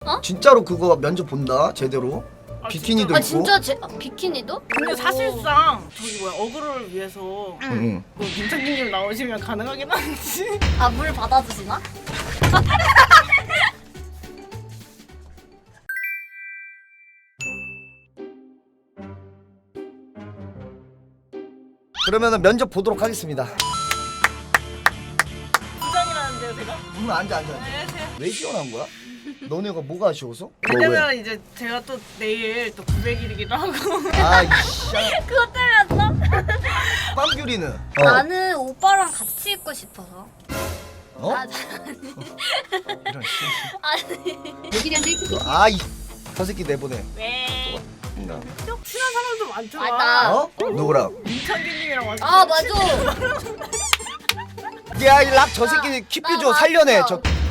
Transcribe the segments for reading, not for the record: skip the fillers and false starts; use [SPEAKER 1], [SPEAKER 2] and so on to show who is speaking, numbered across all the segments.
[SPEAKER 1] 어?
[SPEAKER 2] 진짜로 그거 면접 본다 제대로. 비키니도 입고.
[SPEAKER 1] 진짜 비키니도?
[SPEAKER 3] 근데 사실상 저기 뭐야 어그로를 위해서
[SPEAKER 2] 응.
[SPEAKER 3] 뭐 민창기님 나오시면 가능하긴 한지.
[SPEAKER 1] 아 물 받아주시나?
[SPEAKER 2] 그러면은 면접 보도록 하겠습니다.
[SPEAKER 3] 부장이라는데요 제가?
[SPEAKER 2] 앉아.
[SPEAKER 3] 안녕하세요.
[SPEAKER 2] 왜 지원한 거야? 너네가 뭐가 아쉬워서?
[SPEAKER 3] 왜냐면 이제 제가 또 내일 또 900일이기도 하고.
[SPEAKER 2] 아이씨.
[SPEAKER 1] 그것 때문이었어?
[SPEAKER 2] 빵규리는?
[SPEAKER 1] 나는 오빠랑 같이 있고 싶어서.
[SPEAKER 2] 어?
[SPEAKER 1] 아,
[SPEAKER 2] 이런 씨.
[SPEAKER 1] 아니.
[SPEAKER 2] 아이 저 새끼 내보내.
[SPEAKER 3] 왜?
[SPEAKER 2] 나.
[SPEAKER 3] 친한 사람도 많잖아.
[SPEAKER 1] 나.
[SPEAKER 2] 어? 누구랑?
[SPEAKER 3] 민창기님이랑 완전.
[SPEAKER 1] 아 맞아.
[SPEAKER 2] 야 이 락 저 새끼 킵뷰 줘
[SPEAKER 1] 나
[SPEAKER 2] 살려내
[SPEAKER 1] 맞어.
[SPEAKER 2] 저.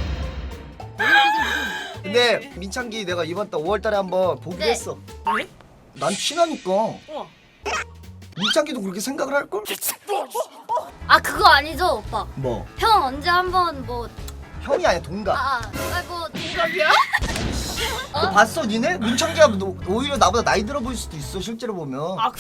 [SPEAKER 2] 근데 민창기 내가 이번 달 5월달에 한번 보기로
[SPEAKER 1] 네.
[SPEAKER 2] 했어.
[SPEAKER 3] 왜?
[SPEAKER 2] 난 친하니까.
[SPEAKER 3] 우와.
[SPEAKER 2] 민창기도 그렇게 생각을 할 걸?
[SPEAKER 1] 아 그거 아니죠 오빠.
[SPEAKER 2] 뭐?
[SPEAKER 1] 형 언제 한번 뭐
[SPEAKER 2] 형이 아니야 동갑.
[SPEAKER 1] 뭐
[SPEAKER 3] 동갑이야?
[SPEAKER 2] 너 봤어 니네? 민창기가 오히려 나보다 나이 들어 보일 수도 있어 실제로 보면.
[SPEAKER 3] 아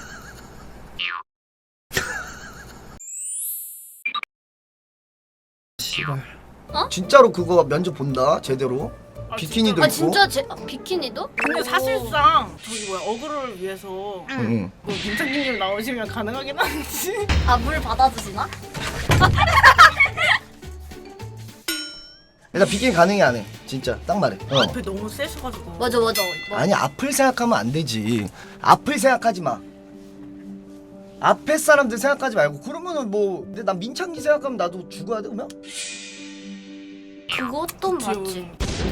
[SPEAKER 2] 씨발.
[SPEAKER 1] 어?
[SPEAKER 2] 진짜로 그거 면접 본다 제대로. 비키니도
[SPEAKER 1] 아
[SPEAKER 2] 입고.
[SPEAKER 1] 진짜 비키니도?
[SPEAKER 3] 근데 사실상 저기 뭐야 어그로를 위해서
[SPEAKER 2] 응.
[SPEAKER 3] 뭐 민창기님 나오시면 가능하긴 한지.
[SPEAKER 1] 아 물 받아주시나?
[SPEAKER 2] 일단 비키니 가능해 안 해? 진짜 딱 말해. 어.
[SPEAKER 3] 앞에 너무 세셔가지고.
[SPEAKER 1] 맞아.
[SPEAKER 2] 아니 앞을 생각하면 안 되지. 앞을 생각하지 마. 앞에 사람들 생각하지 말고 그러면은 뭐 근데 난 민창기 생각하면 나도 죽어야 돼 그러면?
[SPEAKER 1] 그것도 맞지.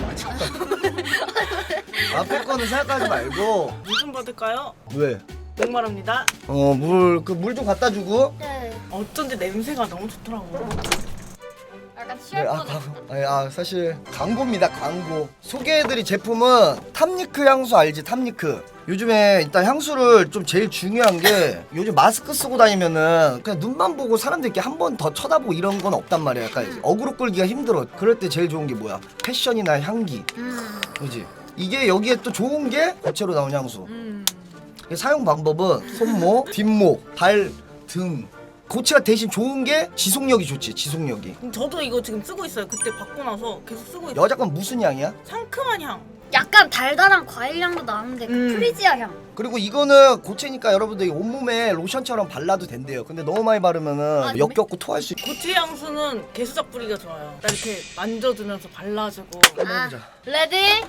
[SPEAKER 2] 앞에 거는 생각하지 말고.
[SPEAKER 3] 물 좀 받을까요?
[SPEAKER 2] 왜?
[SPEAKER 3] 목마릅니다.
[SPEAKER 2] 물 좀 갖다 주고.
[SPEAKER 1] 네.
[SPEAKER 3] 어쩐지 냄새가 너무 좋더라고.
[SPEAKER 1] 약간
[SPEAKER 2] 네,
[SPEAKER 1] 취할 뻔했어.
[SPEAKER 2] 사실 광고입니다 광고. 소개해드릴 제품은 탐니크 향수 알지? 탐니크. 요즘에 일단 향수를 좀 제일 중요한 게 요즘 마스크 쓰고 다니면은 그냥 눈만 보고 사람들 이렇게 한 번 더 쳐다보고 이런 건 없단 말이야. 약간 어그로 끌기가 힘들어. 그럴 때 제일 좋은 게 뭐야? 패션이나 향기. 그지? 이게 여기에 또 좋은 게 고체로 나온 향수. 사용 방법은 손목, 뒷목, 발, 등. 고체가 대신 좋은 게 지속력이 좋지. 지속력이.
[SPEAKER 3] 저도 이거 지금 쓰고 있어요. 그때 받고 나서 계속 쓰고 있어요.
[SPEAKER 2] 여자 건 무슨 향이야?
[SPEAKER 3] 상큼한 향.
[SPEAKER 1] 약간 달달한 과일 향도 나는데 그 프리지아 향.
[SPEAKER 2] 그리고 이거는 고체니까 여러분들이 온몸에 로션처럼 발라도 된대요. 근데 너무 많이 바르면은
[SPEAKER 1] 아,
[SPEAKER 2] 역겹고 토할 수 있고.
[SPEAKER 3] 고체 향수는 개수작 뿌리가 좋아요. 나 이렇게 만져주면서 발라주고.
[SPEAKER 1] 아, 레디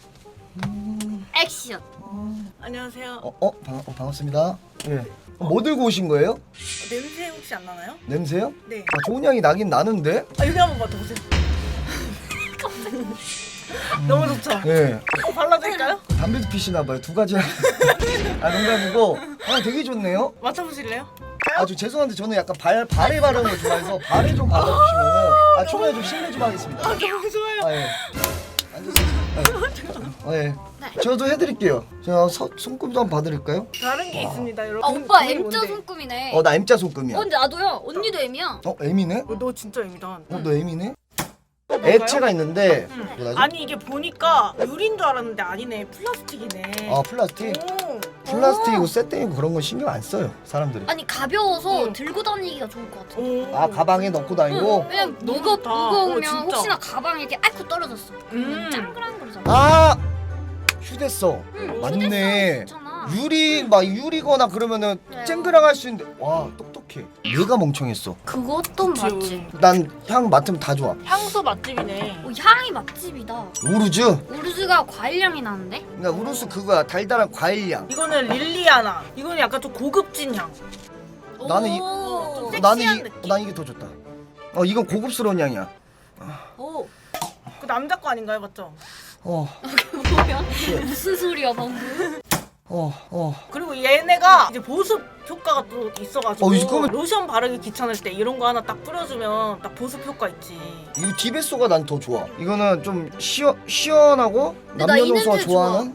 [SPEAKER 1] 액션.
[SPEAKER 3] 안녕하세요.
[SPEAKER 2] 반갑습니다. 예. 뭐 들고 오신 거예요?
[SPEAKER 3] 냄새 혹시 안 나나요?
[SPEAKER 2] 냄새요?
[SPEAKER 3] 네.
[SPEAKER 2] 좋은 향이 나긴 나는데.
[SPEAKER 3] 여기 한번 맡아보세요. 너무 좋죠?
[SPEAKER 2] 예.
[SPEAKER 3] 발라드릴까요?
[SPEAKER 2] 담배도 피시나 봐요. 두 가지. 농담이고. 되게 좋네요.
[SPEAKER 3] 맡아보실래요?
[SPEAKER 2] 저 죄송한데 저는 약간 발에 바르는 걸 좋아해서 발에 좀 발라주시면은 초반에 좀 실례 좀 하겠습니다.
[SPEAKER 3] 너무 좋아요.
[SPEAKER 2] 예. 앉으세요. 예. 저도 해드릴게요. 제가 손금도 한번 봐드릴까요?
[SPEAKER 3] 다른 게 있습니다, 여러분.
[SPEAKER 1] 아 오빠
[SPEAKER 3] 그게
[SPEAKER 1] M자
[SPEAKER 3] 뭔데?
[SPEAKER 1] 손금이네.
[SPEAKER 2] 나 M자 손금이야.
[SPEAKER 1] 근데 나도요. 언니도 M이야.
[SPEAKER 2] M이네?
[SPEAKER 3] 너 진짜 애미다.
[SPEAKER 2] 너 M이네? 액체가 있는데 뭐라지?
[SPEAKER 3] 아니 이게 보니까 유리인 줄 알았는데 아니네. 플라스틱이네.
[SPEAKER 2] 플라스틱?
[SPEAKER 3] 오.
[SPEAKER 2] 플라스틱이고 쇠땡이고 그런 건 신경 안 써요 사람들이.
[SPEAKER 1] 아니 가벼워서
[SPEAKER 3] 응.
[SPEAKER 1] 들고 다니기가 좋을 것 같아.
[SPEAKER 3] 오.
[SPEAKER 2] 가방에 넣고 다니고?
[SPEAKER 1] 왜냐면
[SPEAKER 3] 너무 좋다.
[SPEAKER 1] 무거우면
[SPEAKER 3] 진짜.
[SPEAKER 1] 혹시나 가방에 이렇게 아이쿠 떨어졌어. 짱그란 거잖아.
[SPEAKER 2] 휴대성.
[SPEAKER 1] 응,
[SPEAKER 2] 맞네.
[SPEAKER 1] 휴대성이 좋잖아.
[SPEAKER 2] 유리거나 그러면은
[SPEAKER 1] 그래요.
[SPEAKER 2] 쨍그랑 할 수 있는데 와 똑똑해. 내가 멍청했어.
[SPEAKER 1] 그것도
[SPEAKER 3] 그치.
[SPEAKER 1] 맞지.
[SPEAKER 2] 난 향 맡으면 다 좋아.
[SPEAKER 3] 향수 맛집이네.
[SPEAKER 1] 향이 맛집이다.
[SPEAKER 2] 우루즈?
[SPEAKER 1] 우르즈가 과일 향이 나는데?
[SPEAKER 2] 그러니까 우루스 그거야. 달달한 과일향.
[SPEAKER 3] 이거는 릴리아나. 이거는 약간 좀 고급진 향.
[SPEAKER 2] 나는 이-
[SPEAKER 1] 오.
[SPEAKER 3] 좀
[SPEAKER 2] 나는
[SPEAKER 3] 섹시한 느낌.
[SPEAKER 2] 난 이게 더 좋다. 이건 고급스러운 향이야.
[SPEAKER 1] 오.
[SPEAKER 3] 그 남자 거 아닌가요, 맞죠?
[SPEAKER 1] 뭐야? 무슨 소리야 방금?
[SPEAKER 3] 그리고 얘네가 이제 보습 효과가 또 있어가지고
[SPEAKER 2] 이거는-
[SPEAKER 3] 로션 바르기 귀찮을 때 이런 거 하나 딱 뿌려주면 딱 보습 효과 있지.
[SPEAKER 2] 이거 디베소가 난 더 좋아. 이거는 좀 시원하고
[SPEAKER 1] 근데 나이
[SPEAKER 2] 남녀노소가
[SPEAKER 1] 냄새
[SPEAKER 2] 좋아하는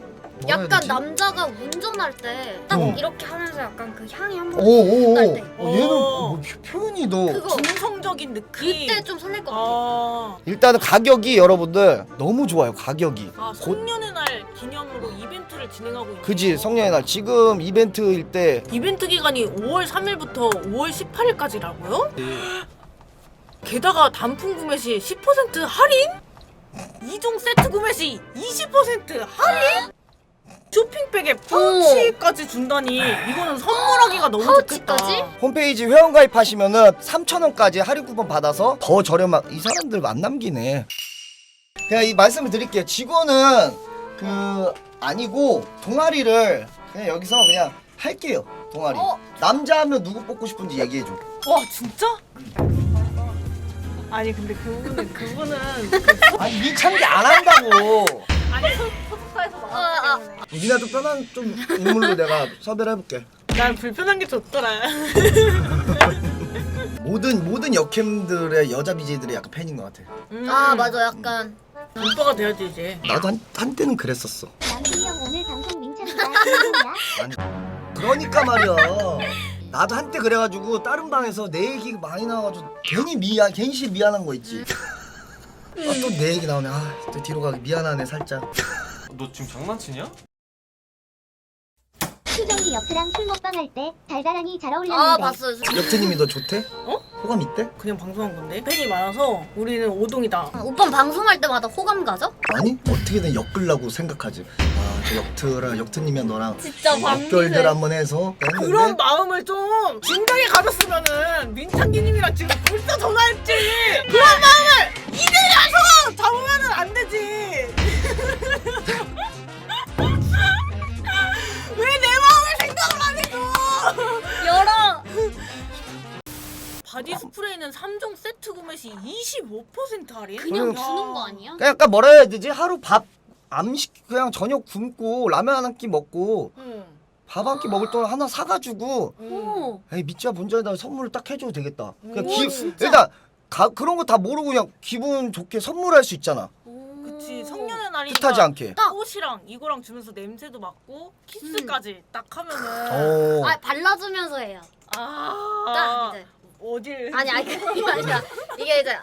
[SPEAKER 2] 뭐라 해야
[SPEAKER 1] 약간
[SPEAKER 2] 되지?
[SPEAKER 1] 남자가 운전할 때 딱
[SPEAKER 2] 어.
[SPEAKER 1] 이렇게 하면서 약간 그 향이 한번
[SPEAKER 2] 오오오.
[SPEAKER 1] 날 때.
[SPEAKER 2] 얘는 뭐 표현이 너.
[SPEAKER 1] 그거
[SPEAKER 3] 중성적인 느낌.
[SPEAKER 1] 그때 좀 설렐 것 같아.
[SPEAKER 3] 아,
[SPEAKER 2] 일단은 가격이 여러분들 너무 좋아요. 가격이.
[SPEAKER 3] 아 성년의 날 기념으로 이벤트를 진행하고 있는
[SPEAKER 2] 그지
[SPEAKER 3] 거.
[SPEAKER 2] 성년의 날 지금 이벤트일 때
[SPEAKER 3] 이벤트 기간이 5월 3일부터 5월 18일까지라고요? 게다가 단품 구매 시 10% 할인? 2종 세트 구매 시 20% 할인? 쇼핑백에 파우치까지 준다니 이거는 선물하기가 너무 좋겠다.
[SPEAKER 1] 파우치까지?
[SPEAKER 2] 홈페이지 회원가입하시면은 3,000원까지 할인 쿠폰 받아서 더 저렴한 이 사람들 안 남기네. 그냥 이 말씀을 드릴게요. 직원은 그 아니고 동아리를 그냥 여기서 그냥 할게요. 동아리. 남자 하면 누구 뽑고 싶은지 얘기해 줘.
[SPEAKER 3] 와 진짜? 아니 근데 그분은
[SPEAKER 2] 아니 미창기 안 한다고.
[SPEAKER 3] 아니 소속사에서 나왔기 때문에
[SPEAKER 2] 니나 좀 편한 좀 인물로 내가 섭외를 해볼게.
[SPEAKER 3] 난 불편한 게 좋더라.
[SPEAKER 2] 모든 여캠들의 여자 BJ들의 약간 팬인 것 같아.
[SPEAKER 1] 아 맞아 약간
[SPEAKER 3] 오빠가 돼야지 이제.
[SPEAKER 2] 나도 한때는 그랬었어.
[SPEAKER 4] 남준이 형 오늘 방송 민찬이가 힘이야?
[SPEAKER 2] 아니, 그러니까 말이야. 나도 한때 그래가지고 다른 방에서 내 얘기 많이 나와가지고 괜히 미안한 거 있지. 아, 또 내 얘기 나오네. 아, 또 뒤로 가기 미안하네 살짝.
[SPEAKER 5] 너 지금 장난치냐?
[SPEAKER 4] 수정이 옆이랑 술 먹방 할 때 달달하니 잘
[SPEAKER 1] 아
[SPEAKER 4] 어울렸는데
[SPEAKER 1] 봤어요.
[SPEAKER 2] 역태님이 너 좋대?
[SPEAKER 3] 어?
[SPEAKER 2] 호감 있대?
[SPEAKER 3] 그냥 방송한 건데 팬이 많아서 우리는 오동이다.
[SPEAKER 1] 오빠 방송할 때마다 호감 가죠?
[SPEAKER 2] 아니 어떻게든 엮으려고 생각하지. 아, 역트님이랑 너랑
[SPEAKER 1] 진짜
[SPEAKER 2] 역결들 한번 해서 했는데
[SPEAKER 3] 그런 마음을 좀 진작에 가졌으면은 민창기님이랑 지금 벌써 전화했지. 그런 마음을 이제 가서 잡으면은 안 되지. 왜 내 마음을 생각을 안 해줘?
[SPEAKER 1] 열어.
[SPEAKER 3] 바디 스프레이는 3종 세트 구매 시 25% 할인?
[SPEAKER 1] 그냥
[SPEAKER 2] 그럼-
[SPEAKER 1] 주는 거 아니야?
[SPEAKER 2] 그냥 약간 뭐라 해야 되지? 하루 밥 그냥 저녁 굶고 라면 한 끼 먹고
[SPEAKER 3] 응.
[SPEAKER 2] 밥 한 끼 먹을 동안 하나 사가지고
[SPEAKER 1] 오.
[SPEAKER 2] 에이 미자 본전에다 선물을 딱 해줘도 되겠다. 그냥
[SPEAKER 1] 오, 진짜?
[SPEAKER 2] 일단 그런 거 다 모르고 그냥 기분 좋게 선물할 수 있잖아.
[SPEAKER 3] 그치 성년의 날이니까
[SPEAKER 2] 뜻하지 않게.
[SPEAKER 3] 딱 옷이랑 이거랑 주면서 냄새도 맡고 키스까지 딱 하면은
[SPEAKER 2] 어.
[SPEAKER 1] 아 발라주면서 해요. 딱
[SPEAKER 3] 아
[SPEAKER 1] 이제.
[SPEAKER 3] 어딜
[SPEAKER 1] 아니 그게 아니라 이게 이제